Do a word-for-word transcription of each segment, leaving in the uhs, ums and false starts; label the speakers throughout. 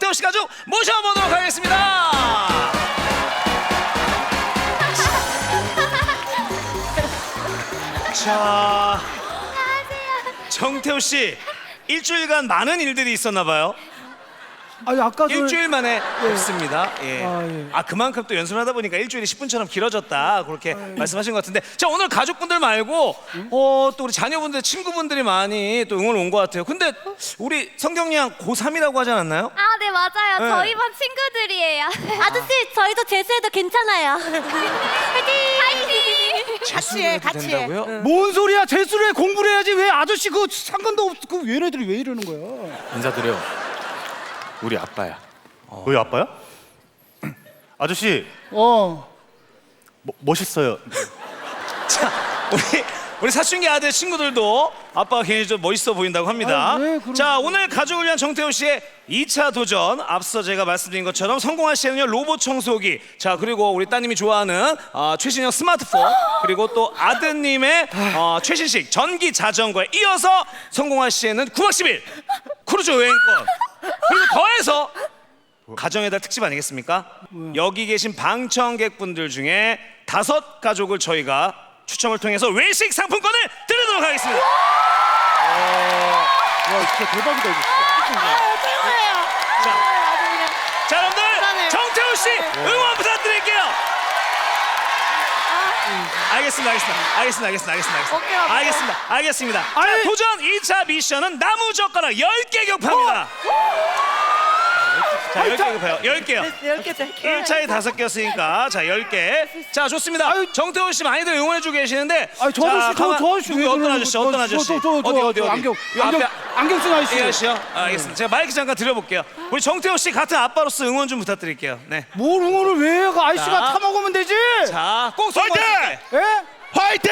Speaker 1: 정태호 씨 가족 모셔보도록 하겠습니다. 자, 정태호 씨 일주일간 많은 일들이 있었나 봐요.
Speaker 2: 아니 아까
Speaker 1: 일주일 만에 뵙습니다. 예.
Speaker 2: 아, 예.
Speaker 1: 아 그만큼 또 연습을 하다 보니까 일주일이 십 분처럼 길어졌다 그렇게
Speaker 2: 아, 예.
Speaker 1: 말씀하신 것 같은데, 자 오늘 가족분들 말고 어, 또 우리 자녀분들 친구분들이 많이 또 응원 온 것 같아요. 근데 우리 성경이 양 고삼이라고 하지 않았나요?
Speaker 3: 아, 네 맞아요.
Speaker 1: 네.
Speaker 3: 저희 반 친구들이에요. 아저씨, 저희도 재수해도 괜찮아요. 화이팅! 화이팅!
Speaker 4: 같이 해, 같이 해.
Speaker 1: 된다고요?
Speaker 2: 뭔 소리야? 재수를 해, 공부를 해야지. 왜 아저씨 그 상관도 없. 그 얘네들이 왜 이러는 거야?
Speaker 5: 인사드려. 우리 아빠야.
Speaker 6: 너희 아빠야? 아저씨
Speaker 2: 어.
Speaker 6: 뭐, 멋있어요.
Speaker 1: 자 우리 우리 사춘기 아들 친구들도 아빠가 굉장히 좀 멋있어 보인다고 합니다.
Speaker 2: 아, 네, 그럼-
Speaker 1: 자 오늘 가족을 위한 정태호 씨의 이 차 도전, 앞서 제가 말씀드린 것처럼 성공할 시에는요 로봇 청소기, 자 그리고 우리 따님이 좋아하는 어, 최신형 스마트폰, 그리고 또 아드님의 어, 최신식 전기 자전거에 이어서 성공할 시에는 구박 십일 크루즈 여행권, 그리고 더해서 가정의 달 특집 아니겠습니까? 여기 계신 방청객분들 중에 다섯 가족을 저희가 추첨을 통해서 외식 상품권을 드리도록 하겠습니다.
Speaker 2: 와 진짜 대박이다 이거.
Speaker 4: 최고예요.
Speaker 1: 자,
Speaker 4: 아주 그냥.
Speaker 1: 자 여러분들
Speaker 4: 대단해요.
Speaker 1: 정태호 씨 응원 부탁드릴게요. 알겠습니다, 알겠습니다, 알겠습니다, 알겠습니다, 알겠습니다,
Speaker 4: 어깨가 아프다.
Speaker 1: 알겠습니다, 알겠습니다. 자,
Speaker 2: 아니.
Speaker 1: 도전 이 차 미션은 나무 젓가락 열 개 격파입니다. 자, 열 개 격파요, 열 개요.
Speaker 4: 열 개, 열 개.
Speaker 1: 일 차에 다섯 개였으니까 자 열 개. 자 좋습니다.
Speaker 2: 아유.
Speaker 1: 정태호 씨 많이들 응원해주고 계시는데.
Speaker 2: 아니 저 아저씨 저 저 아저씨
Speaker 1: 누구
Speaker 2: 왜
Speaker 1: 어떤
Speaker 2: 그러는
Speaker 1: 아저씨
Speaker 2: 거야?
Speaker 1: 어떤
Speaker 2: 저,
Speaker 1: 아저씨?
Speaker 2: 저, 저, 저,
Speaker 1: 어디
Speaker 2: 저,
Speaker 1: 어디
Speaker 2: 저
Speaker 1: 어디?
Speaker 2: 안경
Speaker 1: 요
Speaker 2: 안경
Speaker 1: 앞에
Speaker 2: 안경 쓴 아저씨.
Speaker 1: 이 아저씨요? 아, 알겠습니다. 제가 마이크 잠깐 드려볼게요. 우리 정태호 씨 같은 아빠로서 응원 좀 부탁드릴게요. 네.
Speaker 2: 뭘 응원을 왜 해? 그 아저씨가
Speaker 1: 자.
Speaker 2: 타 먹으면 되지.
Speaker 1: 자꼭 성공하실게.
Speaker 2: 예?
Speaker 6: 화이팅!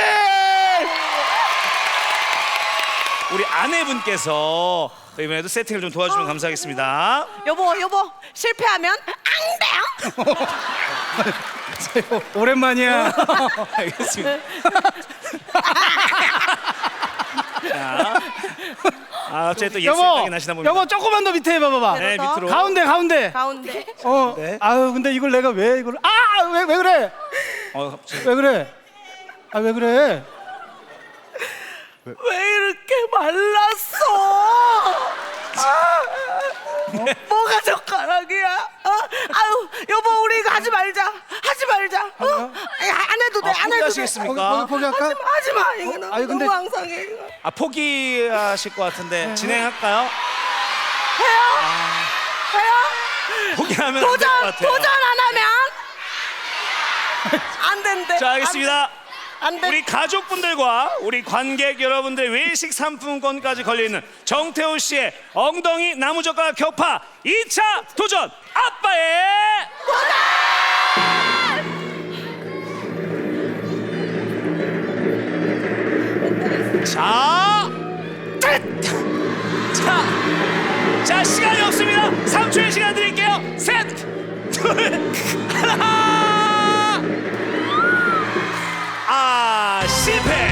Speaker 1: 우리 아내분께서 이번에도 세팅을 좀 도와주면 감사하겠습니다.
Speaker 4: 여보, 여보, 실패하면 안 돼요.
Speaker 2: 오랜만이야.
Speaker 1: 알겠습니다. 자, 아 갑자기 또 옛
Speaker 2: 여보,
Speaker 1: 생각이 나시나 봅니다.
Speaker 2: 여보 조금만 더 밑에 해봐봐봐.
Speaker 1: 네
Speaker 4: 더?
Speaker 1: 밑으로.
Speaker 2: 가운데 가운데.
Speaker 4: 가운데.
Speaker 2: 어.
Speaker 1: 네.
Speaker 2: 아유 근데 이걸 내가 왜 이걸 아왜 왜 그래?
Speaker 1: 어, 갑자기.
Speaker 2: 왜 그래? 아 왜 그래?
Speaker 4: 왜 이렇게 말랐어? 아, 뭐가 젓가락이야? 어? 아유, 여보, 우리 이거 하지 말자. 하지 말자. 어? 아니, 안 해도 돼.
Speaker 1: 아,
Speaker 4: 안 해도 돼.
Speaker 1: 포기하시겠습니까?
Speaker 2: 거기 거기 할까?
Speaker 4: 하지 마, 하지 마. 이거 너무,
Speaker 2: 아니, 근데-
Speaker 4: 너무 황상해. 이거.
Speaker 1: 아 포기하실 것 같은데 진행할까요?
Speaker 4: 해요? 해요?
Speaker 1: 포기하면 안 될 것
Speaker 4: 도전,
Speaker 1: 같아요.
Speaker 4: 도전 안 하면 안 된대.
Speaker 1: 자 알겠습니다.
Speaker 4: 안 돼.
Speaker 1: 우리 가족분들과 우리 관객 여러분들 외식 상품권까지 걸려있는 정태호 씨의 엉덩이 나무젓가락 격파 이 차 도전 아빠의 자, 자, 자 시간이 없습니다. 삼 초의 시간 드릴게요. 셋, 둘, 하나. 아 실패.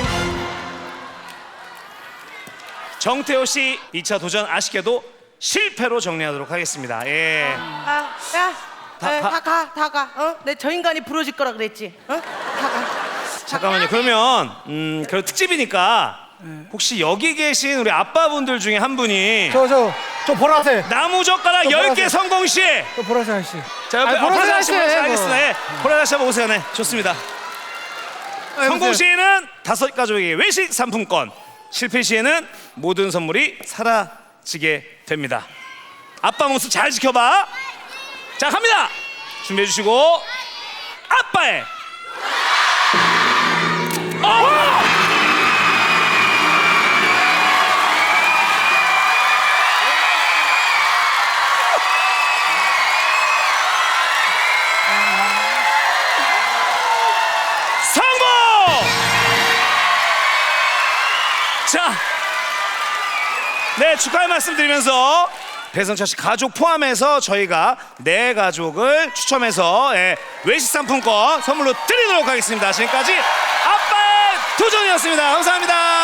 Speaker 1: 정태호 씨 이 차 도전 아쉽게도 실패로 정리하도록 하겠습니다. 예.
Speaker 4: 아, 야,
Speaker 1: 다-
Speaker 4: 에,
Speaker 1: 다-
Speaker 4: 다 가, 다 가. 어? 내 저 인간이 부러질 거라 그랬지. 어? 다 가.
Speaker 1: 잠깐만요. 그러면 음, 그래도 특집이니까 혹시 여기 계신 우리 아빠분들 중에 한 분이
Speaker 2: 저 저 저 보라색.
Speaker 1: 나무젓가락
Speaker 2: 저
Speaker 1: 열 개
Speaker 2: 보라색.
Speaker 1: 성공 시.
Speaker 2: 저 보라색 아저씨.
Speaker 1: 자, 옆에
Speaker 2: 아니, 보라색
Speaker 1: 보라색
Speaker 2: 아저씨,
Speaker 1: 아저씨
Speaker 2: 뭐.
Speaker 1: 알겠습니다. 예. 보라색 아저씨 한번 오세요. 네, 좋습니다. 성공 시에는 다섯 가족에게 외식 상품권, 실패 시에는 모든 선물이 사라지게 됩니다. 아빠 모습 잘 지켜봐. 자, 갑니다. 준비해 주시고 아빠의 어! 성공! 자, 네 축하의 말씀드리면서 배성철 씨 가족 포함해서 저희가 네 가족을 추첨해서 예, 외식 상품권 선물로 드리도록 하겠습니다. 지금까지 아빠의 도전이었습니다. 감사합니다.